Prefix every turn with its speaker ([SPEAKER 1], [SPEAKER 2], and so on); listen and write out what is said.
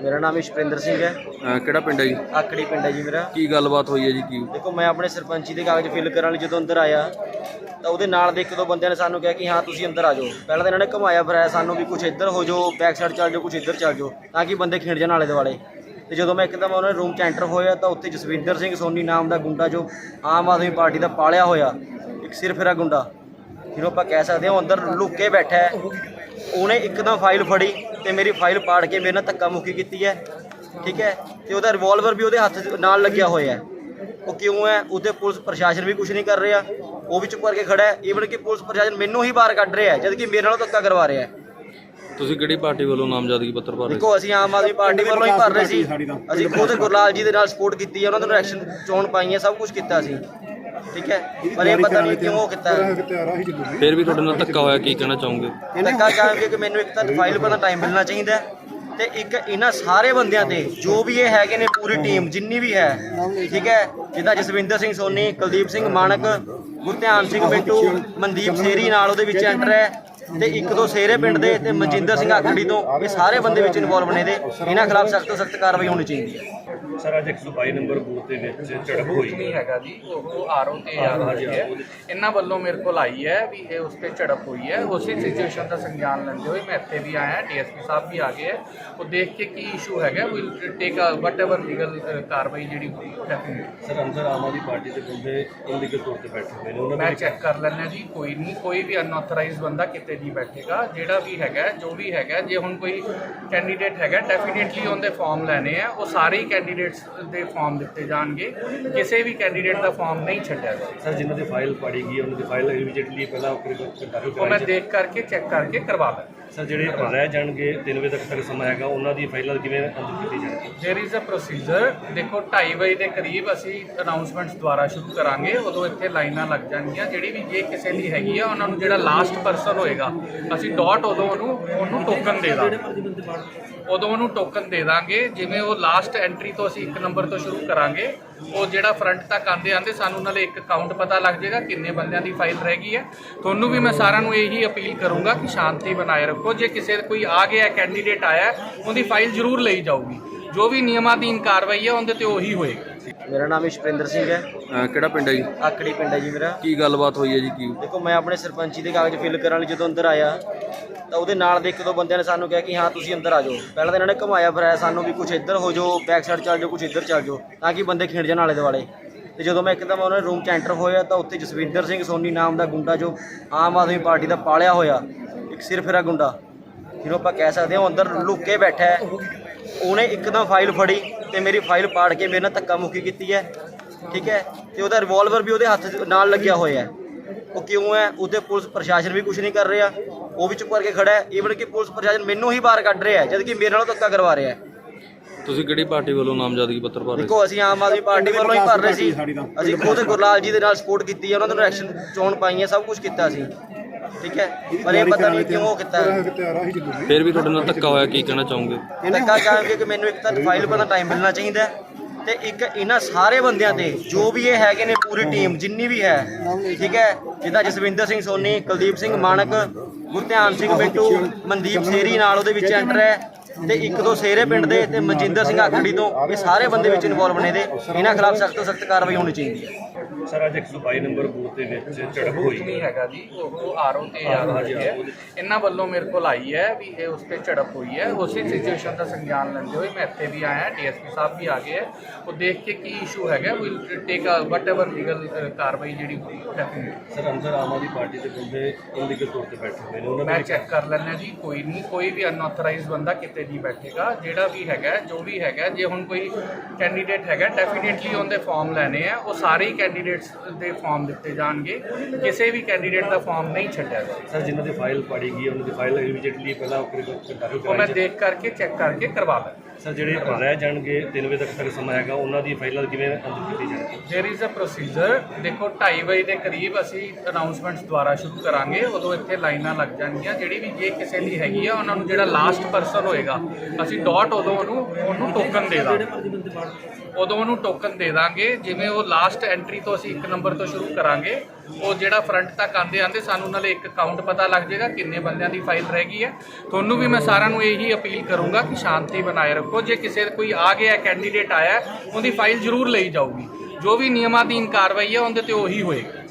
[SPEAKER 1] मेरा नाम इशप्रिंदर सिंह है।
[SPEAKER 2] ਕਿਹੜਾ ਪਿੰਡ ਹੈ ਜੀ?
[SPEAKER 1] आकड़ी पिंड है जी मेरा।
[SPEAKER 2] ਕੀ ਗੱਲਬਾਤ ਹੋਈ ਹੈ ਜੀ? ਕੀ
[SPEAKER 1] देखो मैं अपने सरपंची के कागज फिल कराने ਜਦੋਂ ਅੰਦਰ ਆਇਆ ਤਾਂ ਉਹਦੇ ਨਾਲ ਦੇ ਇੱਕ ਦੋ ਬੰਦਿਆਂ ਨੇ ਸਾਨੂੰ ਕਿਹਾ ਕਿ ਹਾਂ ਤੁਸੀਂ ਅੰਦਰ ਆ ਜਾਓ। ਪਹਿਲਾਂ ਤਾਂ ਇਹਨਾਂ ਨੇ ਘੁਮਾਇਆ ਫਿਰਾਇਆ ਸਾਨੂੰ ਵੀ ਕੁਝ ਇੱਧਰ ਹੋ ਜਾਓ, ਬੈਕ ਸਾਈਡ ਚੱਲ ਜਾਓ, ਕੁਝ ਇੱਧਰ ਚੱਲ ਜਾਓ ਤਾਂ ਕਿ ਬੰਦੇ ਖਿੰਡ ਜਾਣ ਆਲੇ ਦੁਆਲੇ। ਤੇ ਜਦੋਂ ਮੈਂ ਇੱਕਦਮ ਉਹਨਾਂ ਦੇ ਰੂਮ 'ਚ ਐਂਟਰ ਹੋਇਆ ਤਾਂ ਉੱਥੇ ਜਸਵਿੰਦਰ ਸਿੰਘ ਸੋਨੀ ਨਾਮ ਦਾ ਗੁੰਡਾ ਜੋ ਆਮ ਆਦਮੀ ਪਾਰਟੀ ਦਾ ਪਾਲਿਆ ਹੋਇਆ ਇੱਕ ਸਿਰ ਫੇਰਾ ਗੁੰਡਾ ਜਿਹਨੂੰ ਆਪਾਂ ਕਹਿ ਸਕਦੇ ਹਾਂ, ਉਹ ਅੰਦਰ ਲੁੱਕ ਕੇ ਬੈਠਾ ਹੈ। ਉਹਨੇ ਇੱਕਦਮ ਫਾਈਲ ਫੜੀ ਤੇ ਮੇਰੀ ਫਾਈਲ ਪਾੜ ਕੇ ਮੇਰੇ ਨਾਲ ਧੱਕਾ ਮੁੱਕੀ ਕੀਤੀ ਹੈ, ਠੀਕ ਹੈ। ਤੇ ਉਹਦਾ ਰਿਵਾਲਵਰ ਵੀ ਉਹਦੇ ਹੱਥ ਨਾਲ ਲੱਗਿਆ ਹੋਇਆ ਹੈ। ਉਹ ਕਿਉਂ ਹੈ? ਉਹਦੇ ਪੁਲਿਸ ਪ੍ਰਸ਼ਾਸਨ ਵੀ ਕੁਝ ਨਹੀਂ ਕਰ ਰਿਹਾ, ਉਹ ਵੀ ਚੁੱਪ ਕਰਕੇ ਖੜਾ ਹੈ। ਈਵਨ ਕਿ ਪੁਲਿਸ ਪ੍ਰਸ਼ਾਸਨ ਮੈਨੂੰ ਹੀ ਬਾਹਰ ਕੱਢ ਰਿਹਾ ਜਦ ਕਿ ਮੇਰੇ ਨਾਲੋਂ ਧੱਕਾ ਕਰਵਾ ਰਿਹਾ ਹੈ।
[SPEAKER 2] ਤੁਸੀਂ ਕਿਹੜੀ ਪਾਰਟੀ ਵੱਲੋਂ ਨਾਮਜ਼ਦਗੀ ਪੱਤਰ ਭਰ ਰਹੇ?
[SPEAKER 1] ਦੇਖੋ ਅਸੀਂ ਆਮ ਆਦਮੀ ਪਾਰਟੀ ਵੱਲੋਂ ਹੀ ਭਰ ਰਹੇ ਸੀ। ਅਸੀਂ ਖੁਦ ਗੁਰਲਾਲ ਜੀ ਦੇ ਨਾਲ ਸਪੋਰਟ ਕੀਤੀ ਹੈ, ਉਹਨਾਂ ਨੂੰ ਇਲੈਕਸ਼ਨ ਚੋਣ ਪਾਈ ਹੈ, ਸਭ ਕੁਝ ਕੀਤਾ ਸੀ, ਠੀਕ ਹੈ। ਪਰ ਇਹ ਪਤਾ ਨਹੀਂ ਕਿਉਂ ਕੀਤਾ।
[SPEAKER 2] ਫਿਰ ਵੀ ਤੁਹਾਡੇ ਨਾਲ ਧੱਕਾ ਹੋਇਆ, ਕੀ ਕਹਿਣਾ ਚਾਹੋਗੇ?
[SPEAKER 1] ਧੱਕਾ ਚਾਹਾਂਗੇ ਕਿ ਮੈਨੂੰ ਇੱਕ ਤਾਂ ਫਾਈਲ ਪਰ ਟਾਈਮ ਮਿਲਣਾ ਚਾਹੀਦਾ ਹੈ ਤੇ ਇੱਕ ਇਹਨਾਂ ਸਾਰੇ ਬੰਦਿਆਂ ਤੇ ਜੋ ਵੀ ਇਹ ਹੈਗੇ ਨੇ, ਪੂਰੀ ਟੀਮ ਜਿੰਨੀ ਵੀ ਹੈ, ਠੀਕ ਹੈ। ਜਿੱਦਾਂ ਜਸਵਿੰਦਰ ਸਿੰਘ ਸੋਨੀ, ਕੁਲਦੀਪ ਸਿੰਘ ਮਾਨਕ, ਗੁਰਧਿਆਨ ਸਿੰਘ ਬਿੱਟੂ, ਮਨਦੀਪ ਸੇਰੀ ਨਾਲ ਉਹਦੇ ਵਿੱਚ ਐਂਟਰ ਹੈ ਤੇ ਇੱਕ ਦੋ ਸੇਰੇ ਪਿੰਡ ਦੇ ਤੇ ਮਨਜਿੰਦਰ ਸਿੰਘ ਆਕੜੀ ਤੋਂ, ਇਹ ਸਾਰੇ ਬੰਦੇ ਵਿੱਚ ਇਨਵੋਲਵ ਨੇ ਦੇ। ਇਹਨਾਂ ਖਿਲਾਫ ਸਖਤ ਤੋਂ ਸਖਤ ਕਾਰਵਾਈ ਹੋਣੀ ਚਾਹੀਦੀ ਹੈ।
[SPEAKER 3] ਸਰ ਅੱਜ 122 ਨੰਬਰ ਬੂਥ ਦੇ ਵਿੱਚ ਝੜਪ ਹੋਈ
[SPEAKER 4] ਨਹੀਂ ਹੈਗਾ ਜੀ, ਉਹ ਆਰਓ ਤੇ ਹੋਈ ਹੈ। ਇਹਨਾਂ ਵੱਲੋਂ ਮੇਰੇ ਕੋਲ ਆਈ ਹੈ ਵੀ ਇਹ ਉਸ ਤੇ ਝੜਪ ਹੋਈ ਹੈ। ਉਸੇ ਸਿਚੁਏਸ਼ਨ ਦਾ ਸੰਗਿਆਨ ਲੈਂਦੇ ਹੋਏ ਮੈਂ ਇੱਥੇ ਵੀ ਆਇਆ, ਡੀਐਸਪੀ ਸਾਹਿਬ ਵੀ ਆ ਗਏ ਹੈ। ਉਹ ਦੇਖ ਕੇ ਕੀ ਇਸ਼ੂ ਹੈਗਾ, ਵੀ ਟੇਕ ਵਟ ਐਵਰ ਲੀਗਲ ਕਾਰਵਾਈ ਜਿਹੜੀ ਹੋਈ ਡੈਫੀਨਿਟਲੀ।
[SPEAKER 3] ਸਰ ਅੰਦਰ ਆਮ ਆਦਮੀ ਪਾਰਟੀ ਦੇ ਬੰਦੇ ਇਲੀਗਲ ਤੌਰ ਤੇ ਬੈਠੇ ਹੋਏ ਨੇ, ਉਹਨਾਂ
[SPEAKER 4] ਮੈਂ ਚੈੱਕ ਕਰ ਲੈਣਾ ਜੀ, ਕੋਈ ਨਹੀਂ, ਕੋਈ ਵੀ ਅਨਆਥੋਰਾਈਜ਼ ਬੰਦਾ ਕਿਤੇ ਨਹੀਂ ਬੈਠੇਗਾ। ਜਿਹੜਾ ਵੀ ਹੈਗਾ, ਜੋ ਵੀ ਹੈਗਾ, ਜੇ ਹੁਣ ਕੋਈ ਕੈਂਡੀਡੇਟ ਹੈਗਾ ਡੈਫੀਨਿਟਲੀ ਉਹਦੇ ਫਾਰਮ ਲੈਣੇ ਆ। ਉਹ ਸਾਰੇ ਹੀ ਕੈਂਡੀਡੇਟਸ ਦੇ ਫਾਰਮ ਦਿੱਤੇ ਜਾਣਗੇ, ਕਿਸੇ ਵੀ ਕੈਂਡੀਡੇਟ ਦਾ ਫਾਰਮ ਨਹੀਂ ਛੱਡਿਆ ਜਾਏਗਾ।
[SPEAKER 3] ਸਰ ਜਿਨ੍ਹਾਂ ਦੀ ਫਾਈਲ ਪਾੜੀ ਗਈ ਉਹਨਾਂ ਦੀ ਫਾਈਲ ਇਮੀਡੀਏਟਲੀ ਪਹਿਲਾਂ
[SPEAKER 4] ਉਹ ਮੈਂ ਦੇਖ ਕਰਕੇ ਚੈੱਕ ਕਰਕੇ ਕਰਵਾ ਦਾਂ।
[SPEAKER 3] ਸਰ ਜਿਹੜੇ ਰਹਿ ਜਾਣਗੇ 3 ਵਜੇ ਤੱਕ ਸਮਾਂ ਹੈਗਾ, ਉਹਨਾਂ ਦੀ ਫਾਈਲਾਂ ਕਿਵੇਂ ਅੰਦਰ ਕੀਤੀ ਜਾਣਗੀ?
[SPEAKER 4] There is a procedure. ਦੇਖੋ 2:30 ਵਜੇ ਦੇ ਕਰੀਬ ਅਸੀਂ ਅਨਾਉਂਸਮੈਂਟਸ ਦੁਆਰਾ ਸ਼ੁਰੂ ਕਰਾਂਗੇ, ਉਦੋਂ ਇੱਥੇ ਲਾਈਨਾਂ ਲੱਗ ਜਾਣਗੀਆਂ। ਜਿਹੜੀ ਵੀ ਜੇ ਕਿਸੇ ਦੀ ਹੈਗੀ ਆ, ਉਹਨਾਂ ਨੂੰ ਜਿਹੜਾ ਲਾਸਟ ਪਰਸਨ ਹੋਏਗਾ ਅਸੀਂ ਡਾਟ ਉਦੋਂ ਉਹਨੂੰ ਟੋਕਨ ਦੇ ਦਾਂਗੇ, ਉਦੋਂ ਉਹਨੂੰ ਟੋਕਨ ਦੇ ਦਾਂਗੇ। ਜਿਵੇਂ ਉਹ ਲਾਸਟ ਐਂਟਰੀ ਤੋਂ ਅਸੀਂ 1 ਨੰਬਰ ਤੋਂ ਸ਼ੁਰੂ ਕਰਾਂਗੇ, ਉਹ ਜਿਹੜਾ ਫਰੰਟ ਤੱਕ ਆਂਦੇ ਸਾਨੂੰ ਨਾਲੇ ਇੱਕ ਕਾਊਂਟ ਪਤਾ ਲੱਗ ਜਾਏਗਾ ਕਿੰਨੇ ਬੰਦਿਆਂ ਦੀ ਫਾਈਲ ਰਹਿ ਗਈ ਹੈ। ਤੁਹਾਨੂੰ ਵੀ ਮੈਂ ਸਾਰਿਆਂ ਨੂੰ ਇਹੀ ਅਪੀਲ ਕਰੂੰਗਾ ਕਿ ਸ਼ਾਂਤੀ ਬਣਾਏ ਰੱਖੋ। ਜੇ ਕਿਸੇ ਕੋਈ ਆ ਗਿਆ ਕੈਂਡੀਡੇਟ ਆਇਆ, ਉਹਦੀ ਫਾਈਲ ਜ਼ਰੂਰ ਲਈ ਜਾਊਗੀ। ਜੋ ਵੀ ਨਿਯਮਾਧੀਨ ਕਾਰਵਾਈ ਹੈ ਉਹਦੇ ਤੇ ਉਹੀ ਹੋਏਗੀ।
[SPEAKER 1] ਮੇਰਾ ਨਾਮ ਇਸ਼ਪ੍ਰਿੰਦਰ ਸਿੰਘ ਹੈ।
[SPEAKER 2] ਕਿਹੜਾ ਪਿੰਡ ਹੈ ਜੀ?
[SPEAKER 1] ਆਕੜੀ ਪਿੰਡ ਹੈ ਜੀ ਮੇਰਾ।
[SPEAKER 2] ਕੀ ਗੱਲਬਾਤ ਹੋਈ ਹੈ ਜੀ? ਕੀ
[SPEAKER 1] ਦੇਖੋ ਮੈਂ ਆਪਣੇ ਸਰਪੰਚੀ ਦੇ ਕਾਗਜ਼ ਫਿਲ ਕਰਨ ਲਈ ਜਦੋਂ ਅੰਦਰ ਆਇਆ ਤਾਂ ਉਹਦੇ ਨਾਲ ਦੇ ਇੱਕ ਦੋ ਬੰਦਿਆਂ ਨੇ ਸਾਨੂੰ ਕਿਹਾ ਕਿ ਹਾਂ ਤੁਸੀਂ ਅੰਦਰ ਆ ਜਾਓ। ਪਹਿਲਾਂ ਤਾਂ ਇਹਨਾਂ ਨੇ ਘੁਮਾਇਆ ਫਿਰਾਇਆ ਸਾਨੂੰ ਵੀ ਕੁਝ ਇੱਧਰ ਹੋ ਜਾਓ, ਬੈਕ ਸਾਈਡ ਚੱਲ ਜਾਓ, ਕੁਝ ਇੱਧਰ ਚੱਲ ਜਾਓ ਤਾਂ ਕਿ ਬੰਦੇ ਖਿੰਡ ਜਾਣ ਆਲੇ ਦੁਆਲੇ। ਤੇ ਜਦੋਂ ਮੈਂ ਇੱਕਦਮ ਉਹਨਾਂ ਦੇ ਰੂਮ 'ਚ ਐਂਟਰ ਹੋਇਆ ਤਾਂ ਉੱਥੇ ਜਸਵਿੰਦਰ ਸਿੰਘ ਸੋਨੀ ਨਾਮ ਦਾ ਗੁੰਡਾ ਜੋ ਆਮ ਆਦਮੀ ਪਾਰਟੀ ਦਾ ਪਾਲਿਆ ਹੋਇਆ ਇੱਕ ਸਿਰ ਫੇਰਾ ਗੁੰਡਾ ਜਿਹਨੂੰ ਆਪਾਂ ਕਹਿ ਸਕਦੇ ਹਾਂ, ਉਹ ਅੰਦਰ ਲੁੱਕ ਕੇ ਬੈਠਾ ਹੈ। ਉਹਨੇ ਇੱਕਦਮ ਫਾਈਲ ਫੜੀ ਤੇ ਮੇਰੀ ਫਾਈਲ ਪਾੜ ਕੇ ਮੇਰੇ ਨਾਲ ਧੱਕਾ ਮੁੱਕੀ ਕੀਤੀ ਹੈ, ਠੀਕ ਹੈ। ਤੇ ਉਹਦਾ ਰਿਵਾਲਵਰ ਵੀ ਉਹਦੇ ਹੱਥ ਨਾਲ ਲੱਗਿਆ ਹੋਇਆ ਹੈ। ਉਹ ਕਿਉਂ ਹੈ? ਉਹਦੇ ਪੁਲਿਸ ਪ੍ਰਸ਼ਾਸਨ ਵੀ ਕੁਝ ਨਹੀਂ ਕਰ ਰਿਹਾ, ਉਹ ਵੀ ਚੁੱਪ ਕਰਕੇ ਖੜਾ ਹੈ। ਈਵਨ ਕਿ ਪੁਲਿਸ ਪ੍ਰਸ਼ਾਸਨ ਮੈਨੂੰ ਹੀ ਬਾਹਰ ਕੱਢ ਰਿਹਾ ਜਦ ਕਿ ਮੇਰੇ ਨਾਲੋਂ ਧੱਕਾ ਕਰਵਾ ਰਿਹਾ ਹੈ।
[SPEAKER 2] ਤੁਸੀਂ ਕਿਹੜੀ ਪਾਰਟੀ ਵੱਲੋਂ ਨਾਮਜ਼ਦਗੀ ਪੱਤਰ ਭਰ ਰਹੇ?
[SPEAKER 1] ਦੇਖੋ ਅਸੀਂ ਆਮ ਆਦਮੀ ਪਾਰਟੀ ਵੱਲੋਂ ਹੀ ਭਰ ਰਹੇ ਸੀ। ਅਸੀਂ ਖੁਦ ਗੁਰਲਾਲ ਜੀ ਦੇ ਨਾਲ ਸਪੋਰਟ ਕੀਤੀ ਹੈ, ਉਹਨਾਂ ਨੂੰ ਇਲੈਕਸ਼ਨ ਚੋਣ ਪਾਈ ਹੈ, ਸਭ ਕੁਝ ਕੀਤਾ ਸੀ, ਠੀਕ ਹੈ। ਪਰ ਇਹ ਪਤਾ ਨਹੀਂ ਕਿਉਂ ਕੀਤਾ।
[SPEAKER 2] ਫਿਰ ਵੀ ਤੁਹਾਡੇ ਨਾਲ ਧੱਕਾ ਹੋਇਆ, ਕੀ ਕਹਿਣਾ ਚਾਹੋਗੇ?
[SPEAKER 1] ਧੱਕਾ ਚਾਹਾਂਗੇ ਕਿ ਮੈਨੂੰ ਇੱਕ ਤਾਂ ਫਾਈਲ ਪਰ ਟਾਈਮ ਮਿਲਣਾ ਚਾਹੀਦਾ ਹੈ ਤੇ ਇੱਕ ਇਹਨਾਂ ਸਾਰੇ ਬੰਦਿਆਂ ਤੇ ਜੋ ਵੀ ਇਹ ਹੈਗੇ ਨੇ, ਪੂਰੀ ਟੀਮ ਜਿੰਨੀ ਵੀ ਹੈ, ਠੀਕ ਹੈ। ਜਿੱਦਾਂ ਜਸਵਿੰਦਰ ਸਿੰਘ ਸੋਨੀ, ਕੁਲਦੀਪ ਸਿੰਘ ਮਾਨਕ, ਗੁਰਧਿਆਨ ਸਿੰਘ ਬਿੱਟੂ, ਮਨਦੀਪ ਸੇਰੀ ਨਾਲ ਉਹਦੇ ਵਿੱਚ ਐਂਟਰ ਹੈ ਤੇ ਇੱਕ ਦੋ ਸੇਰੇ ਪਿੰਡ ਦੇ ਤੇ ਮਨਜਿੰਦਰ ਸਿੰਘ ਆਕੜੀ ਤੋਂ, ਇਹ ਸਾਰੇ ਬੰਦੇ ਵਿੱਚ ਇਨਵੋਲਵ ਨੇ ਦੇ। ਇਹਨਾਂ ਖਿਲਾਫ ਸਖਤ ਤੋਂ ਸਖਤ ਕਾਰਵਾਈ ਹੋਣੀ ਚਾਹੀਦੀ ਹੈ।
[SPEAKER 3] ਸਰ ਅੱਜ 122 ਨੰਬਰ ਬੂਥ ਦੇ ਵਿੱਚ ਝੜਪ ਹੋਈ
[SPEAKER 4] ਨਹੀਂ ਹੈਗਾ ਜੀ, ਉਹ ਆਰਓ ਤੇ ਹੋਈ ਹੈ। ਇਹਨਾਂ ਵੱਲੋਂ ਮੇਰੇ ਕੋਲ ਆਈ ਹੈ ਵੀ ਇਹ ਉਸ ਤੇ ਝੜਪ ਹੋਈ ਹੈ। ਉਸੇ ਸਿਚੁਏਸ਼ਨ ਦਾ ਸੰਗਿਆਨ ਲੈਂਦੇ ਹੋਏ ਮੈਂ ਇੱਥੇ ਵੀ ਆਇਆ, ਡੀਐਸਪੀ ਸਾਹਿਬ ਵੀ ਆ ਗਏ ਹੈ। ਉਹ ਦੇਖ ਕੇ ਕੀ ਇਸ਼ੂ ਹੈਗਾ, ਵੀ ਟੇਕ ਵਟ ਐਵਰ ਲੀਗਲ ਕਾਰਵਾਈ ਜਿਹੜੀ ਹੋਈ ਡੈਫੀਨਿਟਲੀ।
[SPEAKER 3] ਸਰ ਅੰਦਰ ਆਮ ਆਦਮੀ ਪਾਰਟੀ ਦੇ ਬੰਦੇ ਇਲੀਗਲ ਤੌਰ ਤੇ ਬੈਠੇ ਹੋਏ ਨੇ, ਉਹਨਾਂ
[SPEAKER 4] ਮੈਂ ਚੈੱਕ ਕਰ ਲੈਣਾ ਜੀ, ਕੋਈ ਨਹੀਂ, ਕੋਈ ਵੀ ਅਨਆਥੋਰਾਈਜ਼ ਬੰਦਾ ਕਿਤੇ ਨਹੀਂ ਬੈਠੇਗਾ। ਜਿਹੜਾ ਵੀ ਹੈਗਾ, ਜੋ ਵੀ ਹੈਗਾ, ਜੇ ਹੁਣ ਕੋਈ ਕੈਂਡੀਡੇਟ ਹੈਗਾ ਡੈਫੀਨਿਟਲੀ ਉਹਦੇ ਫਾਰਮ ਲੈਣੇ ਆ। ਉਹ ਸਾਰੇ ਹੀ ਕੈਂਡੀਡੇਟਸ ਦੇ ਫਾਰਮ ਦਿੱਤੇ ਜਾਣਗੇ, ਕਿਸੇ ਵੀ ਕੈਂਡੀਡੇਟ ਦਾ ਫਾਰਮ ਨਹੀਂ ਛੱਡਿਆ ਜਾਏਗਾ।
[SPEAKER 3] ਸਰ ਜਿਨ੍ਹਾਂ ਦੀ ਫਾਈਲ ਪਾੜੀ ਗਈ ਉਹਨਾਂ ਦੀ ਫਾਈਲ ਇਮੀਡੀਏਟਲੀ ਪਹਿਲਾਂ
[SPEAKER 4] ਉਹ ਮੈਂ ਦੇਖ ਕਰਕੇ ਚੈੱਕ ਕਰਕੇ ਕਰਵਾ ਦਾਂ।
[SPEAKER 3] ਸਰ ਜਿਹੜੇ ਰਹਿ ਜਾਣਗੇ 3 ਵਜੇ ਤੱਕ ਸਮਾਂ ਹੈਗਾ, ਉਹਨਾਂ ਦੀ ਫਾਈਲਾਂ ਕਿਵੇਂ ਅੰਦਰ ਕੀਤੀ ਜਾਣਗੀ?
[SPEAKER 4] There is a procedure. ਦੇਖੋ 2:30 ਵਜੇ ਦੇ ਕਰੀਬ ਅਸੀਂ ਅਨਾਉਂਸਮੈਂਟਸ ਦੁਆਰਾ ਸ਼ੁਰੂ ਕਰਾਂਗੇ, ਉਦੋਂ ਇੱਥੇ ਲਾਈਨਾਂ ਲੱਗ ਜਾਣਗੀਆਂ। ਜਿਹੜੀ ਵੀ ਜੇ ਕਿਸੇ ਦੀ ਹੈਗੀ ਆ, ਉਹਨਾਂ ਨੂੰ ਜਿਹੜਾ ਲਾਸਟ ਪਰਸਨ ਹੋਏਗਾ ਅਸੀਂ ਡਾਟ ਉਦੋਂ ਉਹਨੂੰ ਟੋਕਨ ਦੇ ਦਾਂਗੇ, ਉਦੋਂ ਉਹਨੂੰ ਟੋਕਨ ਦੇ ਦਾਂਗੇ। ਜਿਵੇਂ ਉਹ ਲਾਸਟ ਐਂਟਰੀ ਤੋਂ ਅਸੀਂ 1 ਨੰਬਰ ਤੋਂ ਸ਼ੁਰੂ ਕਰਾਂਗੇ, ਉਹ ਜਿਹੜਾ ਫਰੰਟ ਤੱਕ ਆਂਦੇ ਸਾਨੂੰ ਨਾਲੇ ਇੱਕ ਕਾਊਂਟ ਪਤਾ ਲੱਗ ਜਾਏਗਾ ਕਿੰਨੇ ਬੰਦਿਆਂ ਦੀ ਫਾਈਲ ਰਹਿ ਗਈ ਹੈ। ਤੁਹਾਨੂੰ ਵੀ ਮੈਂ ਸਾਰਿਆਂ ਨੂੰ ਇਹੀ ਅਪੀਲ ਕਰੂੰਗਾ ਕਿ ਸ਼ਾਂਤੀ ਬਣਾਏ ਰੱਖੋ। ਜੇ ਕਿਸੇ ਕੋਈ ਆ ਗਿਆ ਕੈਂਡੀਡੇਟ ਆਇਆ ਉਹਦੀ ਫਾਈਲ ਜ਼ਰੂਰ ਲਈ ਜਾਊਗੀ, ਜੋ ਵੀ ਨਿਯਮਾਧੀਨ ਕਾਰਵਾਈ ਹੈ ਉਹਦੇ ਤੇ ਉਹੀ ਹੋਏਗੀ।